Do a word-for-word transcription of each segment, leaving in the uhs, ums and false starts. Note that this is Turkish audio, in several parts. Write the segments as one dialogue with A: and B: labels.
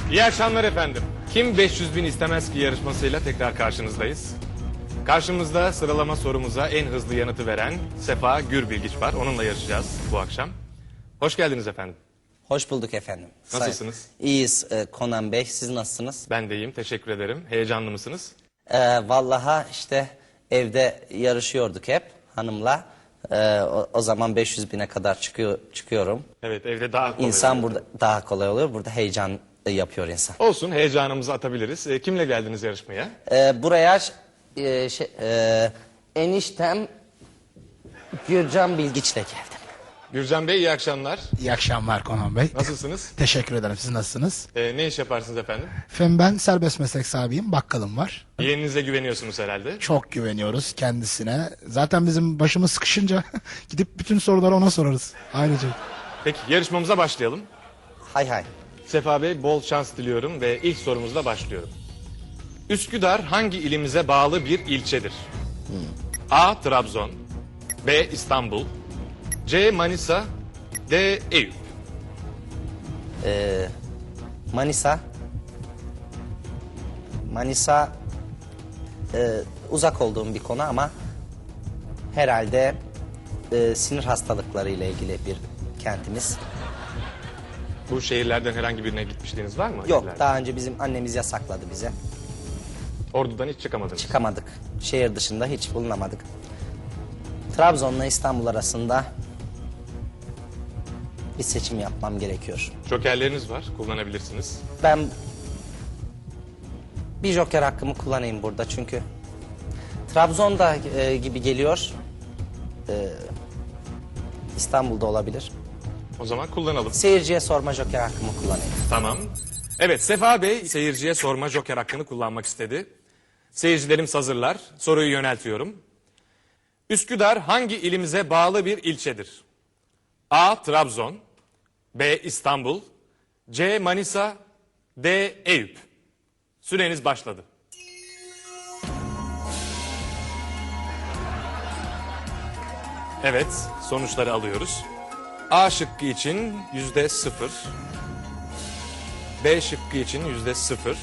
A: İyi akşamlar efendim. Kim beş yüz bin istemez ki yarışmasıyla tekrar karşınızdayız. Karşımızda sıralama sorumuza en hızlı yanıtı veren Sefa Gürbilgiç var. Onunla yarışacağız bu akşam. Hoş geldiniz efendim.
B: Hoş bulduk efendim.
A: Nasılsınız?
B: Say- İyiyiz e, Konan Bey. Siz nasılsınız?
A: Ben de iyiyim, teşekkür ederim. Heyecanlı mısınız?
B: E, vallaha işte evde yarışıyorduk hep hanımla. E, o, o zaman beş yüz bine kadar çıkıyor, çıkıyorum.
A: Evet, evde daha kolay
B: İnsan
A: oluyor.
B: burada daha kolay oluyor. Burada heyecan yapıyor insan.
A: Olsun, heyecanımızı atabiliriz. E, kimle geldiniz yarışmaya?
B: E, buraya e, şey, e, eniştem Gürcan Bilgiç'le geldim.
A: Gürcan Bey, iyi akşamlar.
C: İyi akşamlar Konan Bey.
A: Nasılsınız?
C: Teşekkür ederim. Siz nasılsınız?
A: E, ne iş yaparsınız efendim?
C: Efendim ben serbest meslek sahibiyim. Bakkalım var.
A: Yeğeninize güveniyorsunuz herhalde.
C: Çok güveniyoruz kendisine. Zaten bizim başımız sıkışınca gidip bütün soruları ona sorarız. Ayrıca.
A: Peki, yarışmamıza başlayalım.
B: Hay hay.
A: Sefa Bey, bol şans diliyorum ve ilk sorumuzla başlıyorum. Üsküdar hangi ilimize bağlı bir ilçedir? A. Trabzon, B. İstanbul, C. Manisa, D. Eyüp.
B: Manisa. Manisa e, uzak olduğum bir konu ama herhalde e, sinir hastalıkları ile ilgili bir kentimiz.
A: Bu şehirlerden herhangi birine gitmişliğiniz var mı?
B: Yok,
A: Şehirlerden.
B: daha önce bizim annemiz yasakladı bize.
A: Ordu'dan hiç çıkamadınız.
B: Çıkamadık. Şehir dışında hiç bulunamadık. Trabzon'la İstanbul arasında bir seçim yapmam gerekiyor.
A: Jokerleriniz var, kullanabilirsiniz.
B: Ben bir joker hakkımı kullanayım burada çünkü Trabzon'da e, gibi geliyor. E, İstanbul'da olabilir.
A: O zaman kullanalım.
B: Seyirciye sorma joker hakkımı kullanayım.
A: Tamam. Evet, Sefa Bey seyirciye sorma joker hakkını kullanmak istedi. Seyircilerimiz hazırlar. Soruyu yöneltiyorum. Üsküdar hangi ilimize bağlı bir ilçedir? A. Trabzon, B. İstanbul, C. Manisa, D. Eyüp. Süreniz başladı. Evet, sonuçları alıyoruz. A şıkkı için yüzde sıfır. B şıkkı için yüzde sıfır.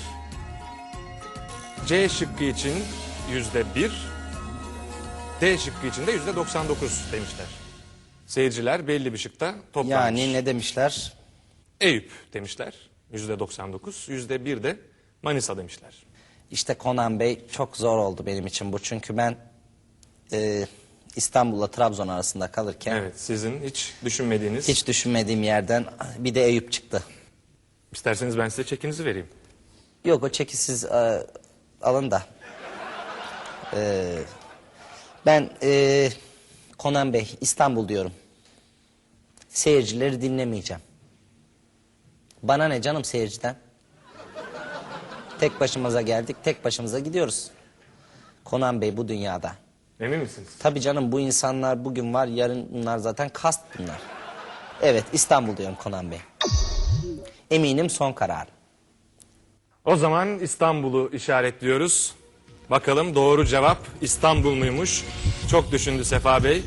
A: C şıkkı için yüzde bir. D şıkkı için de yüzde doksan dokuz demişler. Seyirciler belli bir şıkta toplanmış.
B: Yani ne demişler?
A: Eyüp demişler. Yüzde doksan dokuz. Yüzde bir de Manisa demişler.
B: İşte Konan Bey çok zor oldu benim için bu. Çünkü ben e, İstanbul'la Trabzon arasında kalırken
A: Evet, sizin hiç düşünmediğiniz...
B: hiç düşünmediğim yerden bir de Eyüp çıktı.
A: İsterseniz ben size çekinizi vereyim.
B: Yok, o çeki siz e, alın da. E, ben e, Konan Bey İstanbul diyorum. Seyircileri dinlemeyeceğim. Bana ne canım seyirciden? Tek başımıza geldik, tek başımıza gidiyoruz. Konan Bey bu dünyada.
A: Emin misiniz?
B: Tabii canım, bu insanlar bugün var, yarın bunlar zaten kast bunlar. Evet, İstanbul diyorum Konan Bey. Eminim son karar.
A: O zaman İstanbul'u işaretliyoruz. Bakalım doğru cevap İstanbul muymuş? Çok düşündü Sefa Bey.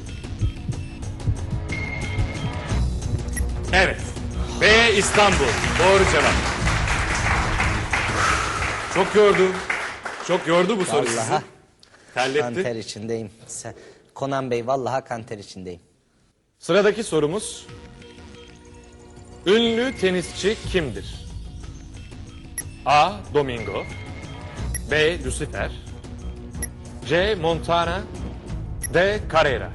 A: Evet. B İstanbul. Doğru cevap. Çok yordu. Çok yordu bu soru sizi.
B: Vallahi
A: Terletti.
B: kanter içindeyim. Sen, Konan Bey vallahi kanter içindeyim.
A: Sıradaki sorumuz. Ünlü tenisçi kimdir? A. Domingo, B. Lucifer, C. Montana, D. Carrera.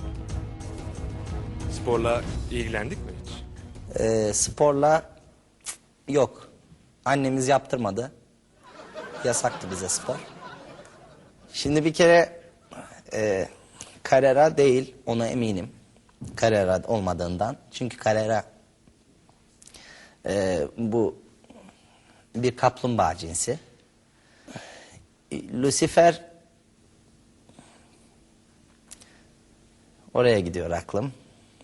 A: Sporla ilgilendik mi hiç?
B: Ee, sporla cık, yok. Annemiz yaptırmadı. Yasaktı bize spor. Şimdi bir kere e, Carrera değil, ona eminim. Carrera olmadığından. Çünkü Carrera e, bu bir kaplumbağa cinsi. Lucifer oraya gidiyor aklım.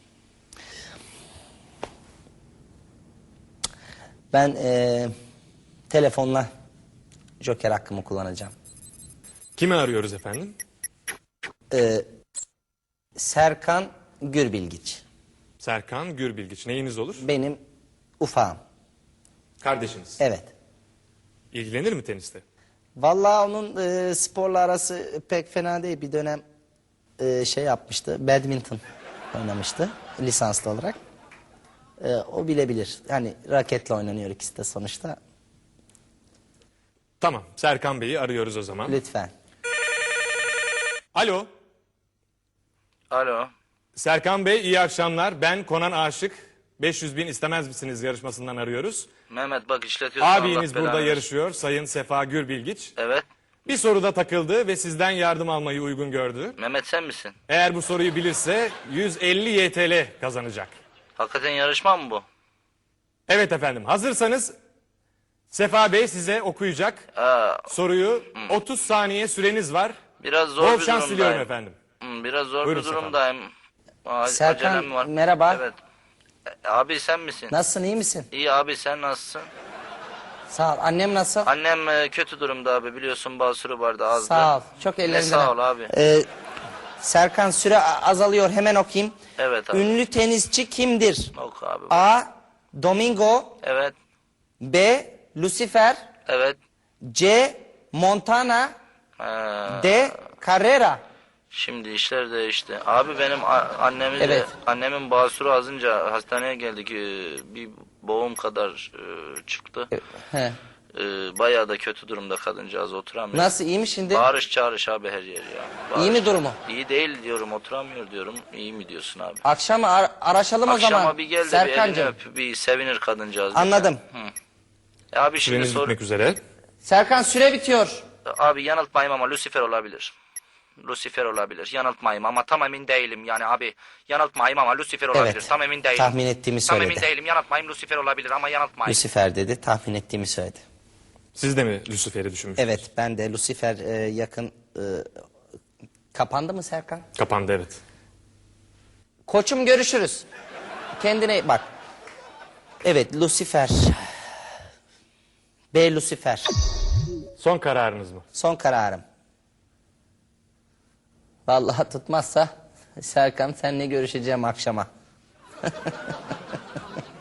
B: Ben e, telefonla joker hakkımı kullanacağım.
A: Kimi arıyoruz efendim?
B: E, Serkan Gürbilgiç.
A: Serkan Gürbilgiç. Neyiniz olur?
B: Benim ufağım.
A: Kardeşiniz.
B: Evet.
A: İlgilenir mi teniste?
B: Vallahi onun e, sporla arası pek fena değil. Bir dönem e, şey yapmıştı. Badminton oynamıştı lisanslı olarak. E, o bilebilir. Yani raketle oynanıyor ikisi de sonuçta.
A: Tamam. Serkan Bey'i arıyoruz o zaman.
B: Lütfen.
A: Alo.
D: Alo.
A: Serkan Bey iyi akşamlar. Ben Konan Aşık. beş yüz bin istemez misiniz yarışmasından arıyoruz.
D: Mehmet bak işletiyorsun.
A: Abiniz
D: Allah
A: burada
D: belanı
A: yarışıyor. Sayın Sefa Gürbilgiç.
D: Evet.
A: Bir soruda takıldı ve sizden yardım almayı uygun gördü.
D: Mehmet sen misin?
A: Eğer bu soruyu bilirse yüz elli Y T L kazanacak.
D: Hakikaten yarışma mı bu?
A: Evet efendim. Hazırsanız Sefa Bey size okuyacak
D: Aa,
A: soruyu. otuz saniye süreniz var.
D: biraz zor
A: Bol
D: bir
A: şans diliyorum
D: durumdayım.
A: efendim.
D: Hı, biraz zor
A: Buyurun
D: bir
A: Sefa.
D: durumdayım. A-
B: Serkan,
D: acelem var.
B: merhaba.
D: Evet. E, Abi sen misin?
B: Nasılsın, iyi misin?
D: İyi abi sen nasılsın?
B: Sağ ol. Annem nasıl?
D: Annem e, kötü durumda abi biliyorsun basuru vardı azdı.
B: Sağ ol. Çok
D: Ne
B: ellerinden.
D: sağ ol abi.
B: Ee, Serkan süre a- azalıyor. Hemen okuyayım.
D: Evet abi.
B: Ünlü tenisçi kimdir?
D: Oku abi.
B: A. Domingo.
D: Evet.
B: B. Lucifer.
D: Evet.
B: C. Montana.
D: Ee,
B: D. Carrera.
D: Şimdi işler değişti. Abi benim a- annemi de-
B: Evet.
D: annemin basuru azınca hastaneye geldik. Ee, bir boğum kadar e, çıktı.
B: He.
D: Ee, bayağı da kötü durumda kadıncağız oturamıyor.
B: Nasıl, iyi mi şimdi?
D: Bağırış çağırış abi her yer ya. Bağırış.
B: İyi mi durumu?
D: İyi değil diyorum oturamıyor diyorum. İyi mi diyorsun abi?
B: Akşam ar- araşalım o
D: Akşama
B: zaman.
D: bir gel de bir elini
B: Serkancığım.
D: öp bir sevinir kadıncağız. bir
B: Anladım.
D: ya. Hı. E abi şimdi
A: Süreniz
D: sor.
A: bitmek üzere.
B: Serkan süre bitiyor.
D: Abi yanıltmayayım ama Lucifer olabilir. Lucifer olabilir. Yanıltmayayım ama tam emin değilim. Yani abi yanıltmayayım ama Lucifer olabilir.
B: Evet.
D: Tam emin değilim.
B: Tahmin ettiğimi
D: Tam
B: söyledi.
D: emin değilim. Yanıltmayayım Lucifer olabilir ama yanıltmayayım.
B: Lucifer dedi. Tahmin ettiğimi söyledi.
A: Siz de mi Lucifer'i düşünmüştünüz?
B: Evet, ben de Lucifer e, yakın e, kapandı mı Serkan?
A: Kapandı evet.
B: Koçum görüşürüz. Kendine bak. Evet, Lucifer. B. Lucifer.
A: Son kararınız mı?
B: Son kararım. Vallahi tutmazsa Serkan seninle görüşeceğim akşama.